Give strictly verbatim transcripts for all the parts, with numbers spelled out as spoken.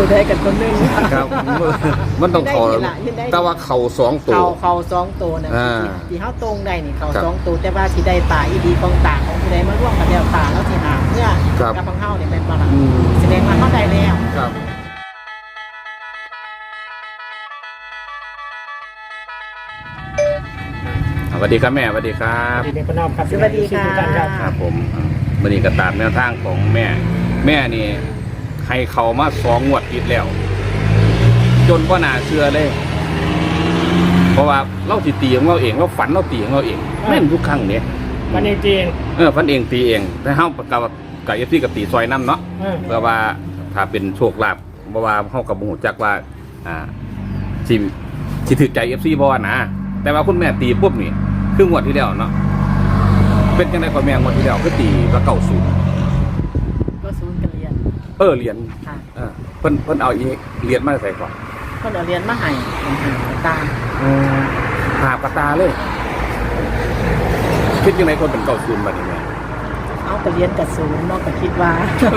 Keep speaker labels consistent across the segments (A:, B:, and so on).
A: ตัวได้กับตัวนึง
B: ครับมันต้องเขาแต่ว่าเขาสองตัว
A: เขาเขาสองตัวนะที่เขาตรงได้นี่เขาสองตัวแต่ว่าที่ได้ป่าอีดีของต่างของผู้ใดมาร่วมกับเดียวป่าแล้วที่หาเมื่อกับพังเฮาเนี่ยเป็นปลาแสดงว่าเขาได้แล้ว
B: ครับสวัสดีครับแม่สวัสดีครับ
C: สวัสดีพ่อน้องครับ
A: สวัสดีค่ะ
B: ครับผมวันนี้ก็ตามแนวทางของแม่แม่นี่ให้เขามาสองงวดติดแล้วจนพ่อหนาเชื่อเลยเพราะว่าเราตีตีของเราเองเราฝันเราตีของเราเองแม่นทุกครั้งเนี่ย
C: ฝันเองตีเอง
B: เออฝันเองตีเองแต่เฮากับกับเอฟซีกับตีซอยน้ำเนาะเพราะว่าถ้าเป็นโชคลาภเพราะว่าเฮากับบุญจักว่าอ่าสิสิถือใจเอฟซีบ่นะแต่ว่าคุณแม่ตีปุ๊บนี่คืองวดที่แล้วเนาะเป็นยังไงพ่อแม่งวดที่แล้วก็ตีก็เก้าศูนย์
A: ก็ศูนย์กันเรียน
B: เออเรียนเออเพิ่นเพิ่นเอาอีเรียนมาใส่ก่อน
A: เพิ่นเอาเรียนมาให้หาตา
B: หาปตาเลยคิดยังไงคนเป็นเก้าศูนย์บัดนี้แม่
A: เอาไปเรียนกับศูนย์เนาะก็คิดว่า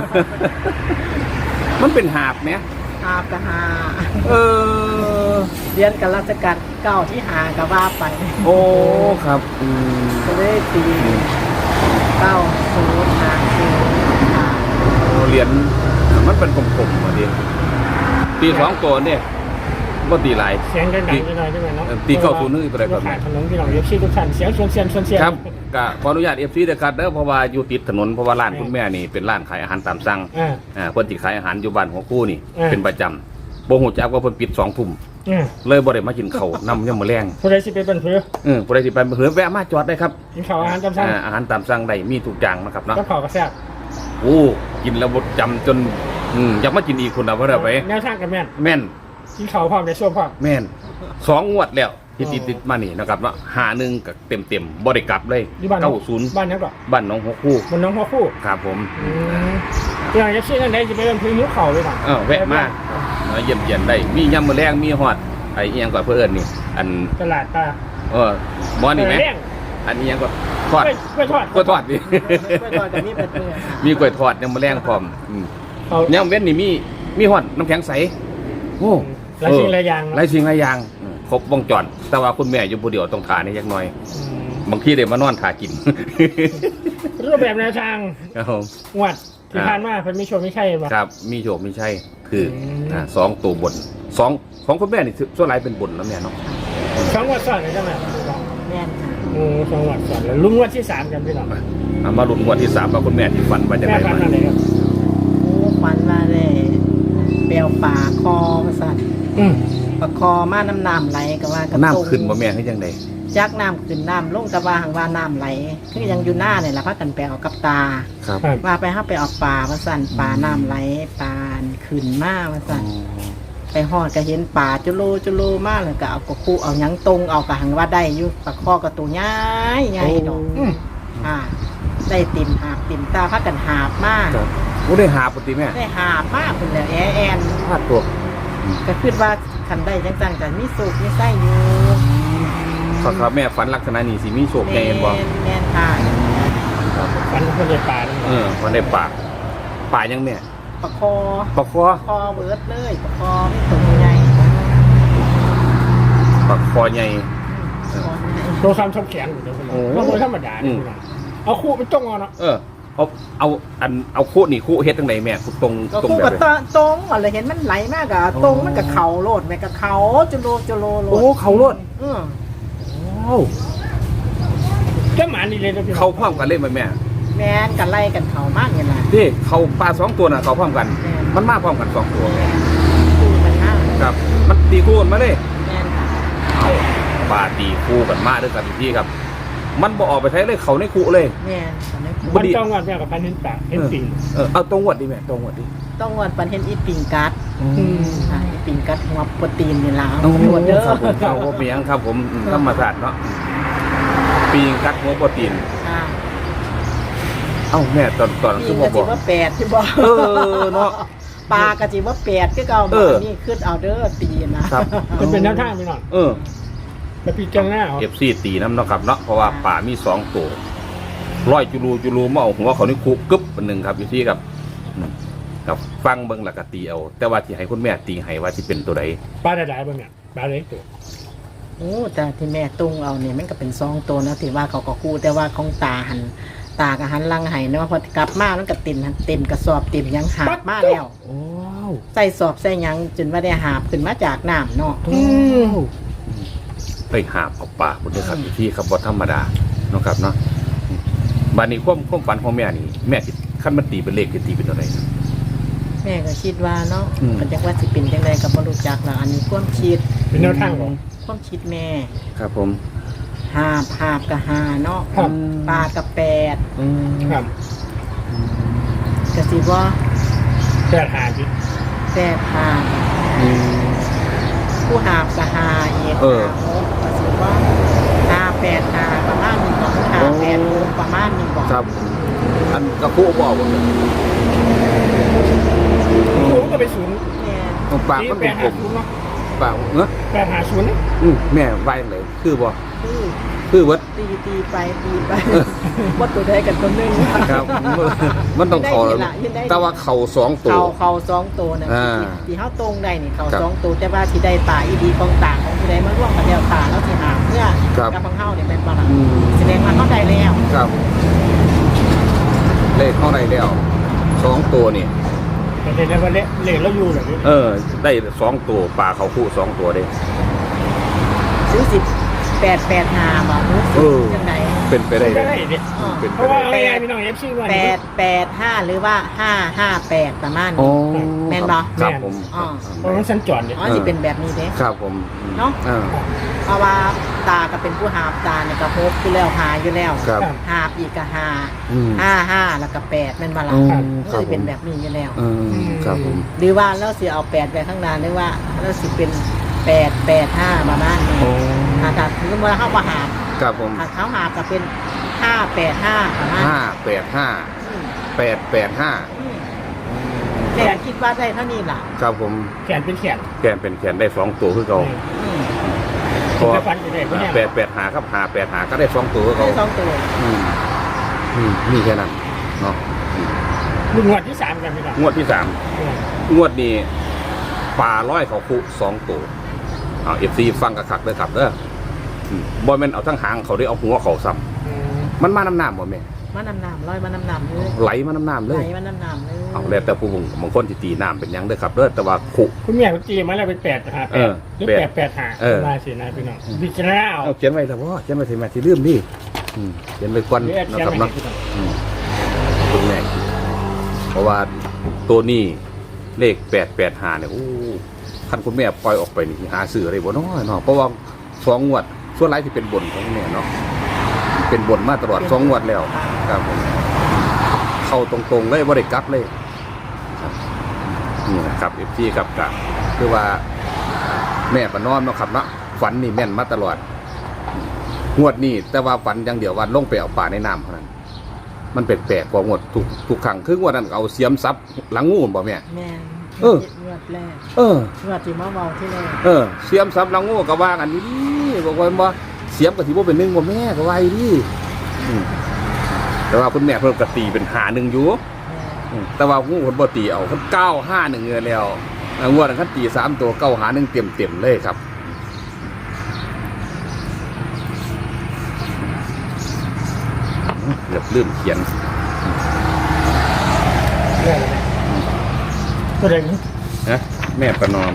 B: มันเป็นหาบไหม
A: หาบกับหา
B: เออ
A: เรียนกับราชการเก้าที่หากับว่าไป
B: โอ้ครับอืม
A: ก็เลยตีเก้าศูนย์หาศูนย์หา
B: เรียนมันเป็นกลมๆมาดิตีสองตัวเนี่ยก็ตีหลาย
C: เสียงดังๆนิดหน่อยได้ไหมเนาะ
B: ตีเก้าศูนย์นึงอะไรแบบ
C: นี้ถนนที่เราเอฟซีทุกท่านเสียงชวนเสียงชวนเสียง
B: ครับก็ขออนุญาตเอฟซีด้วยครับเด้อเพราะว่าอยู่ติดถนนเพราะว่าร้านคุณแม่นี่เป็นร้านขายอาหารตามสั่งอ่าเพิ่นสิขายอาหารอยู่บ้านหัวคู่นี่เป็นประจำบ่ฮู้จักว่าเพิ่นปิดสองทุ่มเลยบ่ได้มากินข้าวนำยามมื้อแลง
C: ผู้ใดสิไปเป็นเพื่อ
B: เออผู้ใดสิไปเป็นเพื่อแวะมาจอดได้ครับ
C: กินข้าวอาหารตามสั่ง
B: อ่าอาหารตามสั่งได้มีทุกอย่างนะครับเนาะ
C: กับข้าวก็แซ่บ
B: โอ้กินแล้วบ่จำจนอืมอยากมากินอีกคนน่ะบ่ได้ไป
C: แนวทางก็แม่น
B: แม่น
C: กินข้าวพร้อมได้ช่วงพร้อม
B: แม่นสองงวดแล้วที่ติดๆมานี่นะครับเนาะห้าหนึ่งก็เต็มๆบ่ได้กลับเลยเก้าศูนย์
C: บ้านนั้นก็
B: บ้านน้องหัวคู่
C: บ้านน้องหัวคู่
B: ครับผม
C: อืมอย่างเอฟซีนั่นได้สิไปเป็นเพื่อหิวข้าวเลยป่ะ
B: เออแวะมาเยี่ยมเยียนได้มียำมื้อแรงมีฮอดไอ้เอียงกว่าเพื่อนนี่อัน
C: ตลาดปลา
B: เออบ่นี่ไหมอันนี้ยังก็ทอด
C: กล้วยทอด
B: กล้วยทอดดิ
A: กล้วยทอดกับมีเป็ดเนื้อ
B: มีกล้วยทอดยำมื้อแรงพร้อมยำเว้นนี่มีมีฮอดน้ำแข็งใสโอ้
C: หลายสิ่งหลายอย่าง
B: หลายสิ่งหลายอย่างครบวงจรแต่ว่าคุณแม่อยู่ผู้เดียวต้องทานนี่จักหน่อยบางทีได้มานอนทากิน
C: รูปแบบแนวทาง
B: ครับผม
C: งวดที่ผ่านมาเพิ่นมีโชคมีชัยบ่
B: ครับมีโชคมีชัยคืออ่าสองตัวบนสองของคุณแม่นี่ส่วนหลายเป็นบนแล้วแม่เนาะ
C: สองงวดซ้อนเลยจังได๋
A: แม่นค่ะ
C: โอ้สองงวดซ้อนแล้วลุ้นงวดที่สามกันพี่น้อง
B: เอามาลุ้นงวดที่สามว่าคุณแม่ที่ฝันว่าจังได๋
C: ฝันว่าไดครับ
A: โอ้ฝันว่าได้แปลวปลาคอว่าซั่น
C: อือ
A: ปลาคอมาน้ำน้ำไหลก็ว่ากระ
B: น้ำขึ้นบ่แม่คือจังได๋
A: จักน้ำขึ้นน้ำลงแต่ว่าหังว่าน้ำไหลคือยังอยู่หน้าเนี่ยแหละพากันไปเอากับตาว่าไปห้าไปออกปลาว่าสั่นปลาน้ำไหลปลาขึ้นมาว่าสั่นไปหอดก็เห็นปลาจุโลจุโลมากเลยก็เอากระคู่เอายังตรงเอากระหังว่าได้อยู่ปลาคอกระตัวใหญ่ใหญ่ดอกอ่าได้ติ่มหาบติ่มตาพากันหาบมาก
B: โอ้ได้หาปกติแม่
A: ได้หาบมากคนเลยแอนแอน
B: พลาดตัว
A: ก็คิดว่าคันได้จังจังกันมีสุกมีไส้อยู่
B: ครับแม่ฝันลักษณะนี้สิมีโชคแน่บ่
A: แม่นค่ะ
C: ฝันคนได้ปลา
B: เออคนได้ปลาปลายังแม่
A: ปลาคอ
B: ปลาคอ
A: คอเบิดเลยปลาคอไม่ตัวใหญ่
B: ปลาคอใหญ่
C: ตัวคำชอบแข็งอยู่เด้อพี่น้องบ่ธรรมดานี่เอาคู่ไปจ้องเอาเนาะ
B: เออเอาเอาอันเอาคู่นี่คู่เฮ็ดจังได๋แม่คู่ตรง
A: ตรงแบบตรงอะไรเห็นมันไหลมากอ่ะตรงมันก็เข่าโลดแม่ก็เข่าจุโลจุโลโลด
B: โอ้เข่าโลด
A: เออ
B: โอ้
C: ก็หมานี่เลย
B: เขาพร้อมกันเล่นไหมแม่
A: แม่นกันไล่กันเขามากเงี้ยนะ
B: นี่เขาปลาสองตัวน่ะเขาพร้อมกันมันมาพร้อมกันสองตัว
A: คู่กันมาก
B: ครับมันตีคู่กันมาเลย
A: แม่นค่ะ
B: เอาปลาตีคู่กันมาด้วยกันที่ครับมันบ่ออกไปใช้เลยเขาในคู่เลย
A: แม่น
C: มันต้องวัดแม่กับพันเห็นปลาเห็นปิง
B: เออเอาตรงวัดดิแม่ตรงวัดดิ
A: ต้องวัดปันเห็นอีปิงกัดอืมใช่ปิงกัดหัวโปรตีนนี่ล่ะหัวเด้อ
B: เอาบ่เปียงครับผมธรรมชาติเนาะปิงกัดหัวโปรตีนเอ้าแม่ตอนตอน
A: คือบ่บอกว่าแปดที่บอก
B: เออเนาะ
A: ปลากะจิว่าแปดคือเก่านี่ขึ้นเอาเด้อตีนะครับ
C: มันเป็นแนวทางไปหน่อย
B: เออ
C: มาปีจังหน้า
B: เอฟซีตีน้ำเนาะครับเนาะเพราะว่าป่ามีสองตัวร้อยจุลูจุลูมาเอาหัวเขานี่คุกกึ๊บเป็นหนึ่งครับอยู่ที่ครับกับฟังเบิ่งแล้วก็ตีเอาแต่ว่าที่ให้คุณแม่ตีให้ว่าสิเป็นตัวใด
C: ปลาได้หลายบ่เนี่ยปลาเล็กตัว
A: โอ้แต่ที่แม่ตุ้งเอาเนี่ยมันก็เป็นซองตัวนะที่ว่าเขาก็กู้แต่ว่าของตาหันตากับหันลังไห้เนาะพอกลับมามันก็เต็มหันเต็มกระสอบเต็มหยังหาบมาแล้ว
C: โอ้
A: ใส่สอบใส่หยังจนว่าได้หาบขึ้นมาจากน้ำเนาะ
C: อืม
B: ไปหาบเอาปลาบนนี้ครับที่ครับบ่ธรรมดาเนาะครับเนาะบัดนี้ความความฝันของแม่นี่แม่สิคันมันตีเป็นเลขสิตีเป็นตัวใด
A: แม่ก็คิดว่าเนาะ
B: อืม
A: ก็จักว่าสิเป็นจังไดก็บ่รู้จักละอันนี้ความคิด
C: เป็นแนวทางของ
A: ความคิดแม่
B: ครับผม
A: หาบหาบกับหาเนาะ
C: ครับ
A: ปลากับแปด
B: อืม
C: ครับ
A: ก็สิว่า
C: แปดหาจิ
A: แปดหาบ
B: อืม
A: ผู้หาบกับหาอีก
B: เออ
A: หาหกก็สิว่าหาแปดหาประมาณนี้บอกหาแปดหกประมาณนี้บอก
B: ครับ อันกระพุบอกว่า
C: ศูนย์ก็ไปศูนย์
A: แม่
B: ปากมัน
C: แป
B: เป็น
C: ด
B: กล
C: หาม ศูนย์เนาะ
B: ปากเนอะ
C: แปดหาศูนย์เนี่ย
B: อืมแม่ไว้เลยคือบ่
A: คือ
B: คือวัด
A: ตีตีไปตีไปว่าตัวใดกันตัวหนึง
B: ครับ มันต้องเขา
A: ได้ทีละยังได้
B: แต่ว่าเขาสองตัว
A: เขาเขาสองตัวนะ
B: อ่า
A: ที่ที่เขาตรงได้นี่เขา
B: ครับ
A: สองตัวแต่ว่าที่ได้ป่าอีดีของต่างของผู้ใดมาร่วมกันแล้วป่าแล้วที่หาเพื่อ
B: ครับ
A: กับพังเฮาเนี่ยเป็นปลา
B: อืม
A: แสดงว่าเขาได้แล้ว
B: ครับ เลขเข้าได้แล้วสองตัวนี่
C: แต่ในวันเละเละแล้วอยู่เหรอ
B: เออ ได้สองตัวปลาเขาคู่สองตัวเด้
A: ซื้อสิบแปดแปดหาบอกรู้สึ
B: เอก อ
A: จังได
B: เป็นไปได้
C: ได้
B: เลย
C: เนี่ย
A: อ๋อ
B: เป็น
C: เพ
B: ไป
C: ราะว่า
B: ได้
C: อะไรไงพี่น้องเอฟซีว่า
A: แปดแปดห้าหรือว่าห้าห้าแปดประมาณ
B: โอ้
A: นี้ แม่นบ่
B: ครับผม
A: อ๋อ
C: เพราะมันสัญจรเนี่ย
A: อ๋อจะเป็นแบบนี้เด้
B: ครับผม
A: เนาะ
B: อ่า
A: เพราะว่าตาก็เป็นผู้หาบตาเนี่ยก็พบอยู่แล้วหาอยู่แล้ว
B: ครับ
A: หาบอีกก็หา
B: อืม
A: ห้าห้าแล้วก็แปดแม่นบ่ล่ะ
B: อืม
A: มัน
B: ครั
A: จะ
B: บผ
A: เป็น
B: ม
A: แบบนี้อยู่แล้ว
B: อืมครับผม
A: หรือว่าเราสิเอาแปดไปข้างหน้าหรือว่าเราสิเป็นแปดแปดห้าประมาณนี้
B: โอ้
A: ถ้าถ้าถือว่าเข้ามาหาบ
B: ครับผม
A: ถ้าเขาหาบก็เป็นห้าแปดห้าประมาณ
B: ห้าแปดห้า
A: อืม
B: แปดแปดห้า
A: อืมแต่คิดว่าได้เท่านี้ล่ะ
B: ครับผม
C: แขนเป็นแขน
B: แกนเป็นแขนได้สองตัวคือเขา
A: อืม
B: เพราะว่า
C: ฟันจะได้ไม่แน่
B: แปดแปดหาครับหาแปดหาก็ได้สองตัวคือ
A: ได้
B: เขา
A: สองตัว
B: อืมอืมนี่แค่นั้นเนาะ
C: ลุงงวดที่สามกันพี่น้อง
B: งวดที่สามงวดนี้ปลาร้อยเขาคุสองตัวเอาเอฟซีฟังกระคักเลยครับเด้ออืมบอยแมนเอาทั้งหางเขาได้เอาหัวเขาซ้ำมันมาน้ำน้ำบ่แม่
A: มาน้ำน้ำร้อยมาน้ำน้ำเลย
B: ไหลมาน้ำน้ำเล
A: ไหล
B: ย
A: มาน้ำน้ำเลย
B: เอาแล้วแต่ผู้บางคนที่ตีน้ำเป็นหยังเด้อครับเด้อแต่ว่าคุ
C: คุณแม่คุณจีมาแล้วเป็นแปดหาแป
B: เอ
C: ด
B: อ
C: หรือ
B: แป
C: แป
B: ด
C: ดแปดหา
B: เออ
C: มาสินะพี่น้องพิจารณาเอา
B: เอาเขียนไว้แล้วว่าเขียนไว้ถึงแม่ที่ลืมดิอืมเขียนไว้ก่อน
C: หรือแอด
B: นะ
C: เชีย
B: ครับ
C: ร์
B: เนาะ
C: พี่น้อง
B: อืมคุณแม่เพราะว่าตัวนี้เลขแปดแปดหาเนี่ยโอ้คันคุณแม่ปล่อยออกไปนี่หาซื้ออะไรบ่น้อยเนาะเพราะว่าสองงวดส่วนไรที่เป็นบนของคุณแม่เนาะเป็นบนมาตลอดสองงวดแล้วครับผมเข้าตรงๆเลยบ่ได้กลับเลยครับนี่นะครับเอฟซีครับกับคือว่าแม่ประนอมเนาะครับเนาะฝันนี่แม่นมาตลอดงวดนี้แต่ว่าฝันอย่างเดียวว่าลงไปเอาป่าในน้ำเท่านั้น มันแปลกๆกว่างวดทุกทุกครั้งคืองวดนั้นเอาเสียมซับหลังงูบ่แม่
A: แม่น
B: เออ
A: งวดแรก
B: เออ
A: งวดที่มาเมาที่แรก
B: เออเสียมซับหลังงูก็ว่ากันนี่บอกว่าบ่เสียมก็สิบ่เป็นหนึ่งบ่แม่ก็ว่าอยู่ดิอืมแต่ว่าคุณแม่เพิ่นก็ตีเป็นหาหนึ่งอยู่ อืมแต่ว่างูเพิ่นบ่ตีเอาเพิ่นเก้าห้าหนึ่งเงินแล้วอ่างวดนั้นคันตีสามตัวเก้าหาหนึ่งเต็มๆเลยครับเกือบลืมเขียน
C: เรื่องอะไรตัวเด็ก
B: นะแม่ประนอม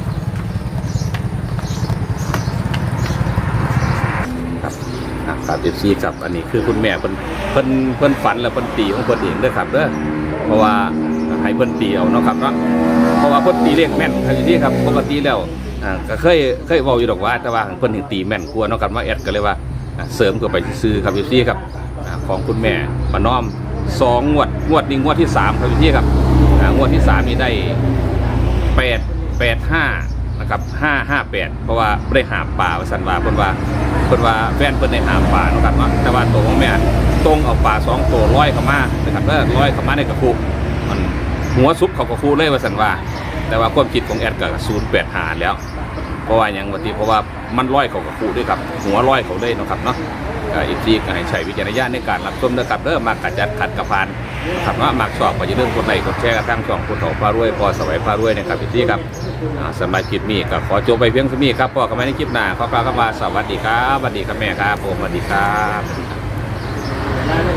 B: ครับอ่ะครับเอฟซีครับอันนี้คือคุณแม่เพิ่นเพิ่นเพิ่นฝันแล้วเพิ่นตีของเพิ่นเองเด้อครับเด้อเพราะว่าให้เพิ่นตีเอาเนาะครับเนาะเพราะว่าเพิ่นตีเลขแม่นครับที่ครับปกติแล้วอ่าก็เคยเคยเว้าอยู่ดอกว่าแต่ว่าเพิ่นถึงตีแม่นกว่าเนาะครับว่าแอดก็เลยว่าอ่าเสริมเข้าไปซื้อครับเอฟซีครับอ่าของคุณแม่ประนอมสองงวดงวดนี้งวดที่สามครับเอฟซีครับอ่างวดที่สามนี่ได้แปดแปดห้านะครับห้าห้าแปดเพราะว่าได้หาปลาว่าสันว่าเพิ่นว่าเพิ่นว่าแฟนเพิ่นได้หาปลาเนาะครับเนาะแต่ว่าตัวของแม่ตรงเอาปลาสองตัวร้อยเข้ามานะครับแล้วร้อยเข้ามาในกระปุกมันหัวซุปเขากระปุกเลยว่าสันว่าแต่ว่าความคิดของแอดก็ศูนย์แปดหาแล้วเพราะว่าอย่างวันที่เพราะว่ามันร้อยเขากระปุกด้วยครับหัวร้อยเขาเลยเนาะครับเนาะก็อีกทีก็ให้ใช้วิจารณญาณในการรับชมนะครับเด้อมากกระจัดขัดกระพานครับว่ามักชอบก็อย่าลืมกดไลค์กดแชร์กับทั้งช่องผู้ถอพารวยพอสวัยพารวยนะครับอีกทีครับสำหรับคลิปนี้ก็ขอจบไปเพียงเท่านี้ครับพอกันใหม่ในคลิปหน้าขอกล่าวคำว่าสวัสดีครับสวัสดีครับแม่ครับผมสวัสดีครับ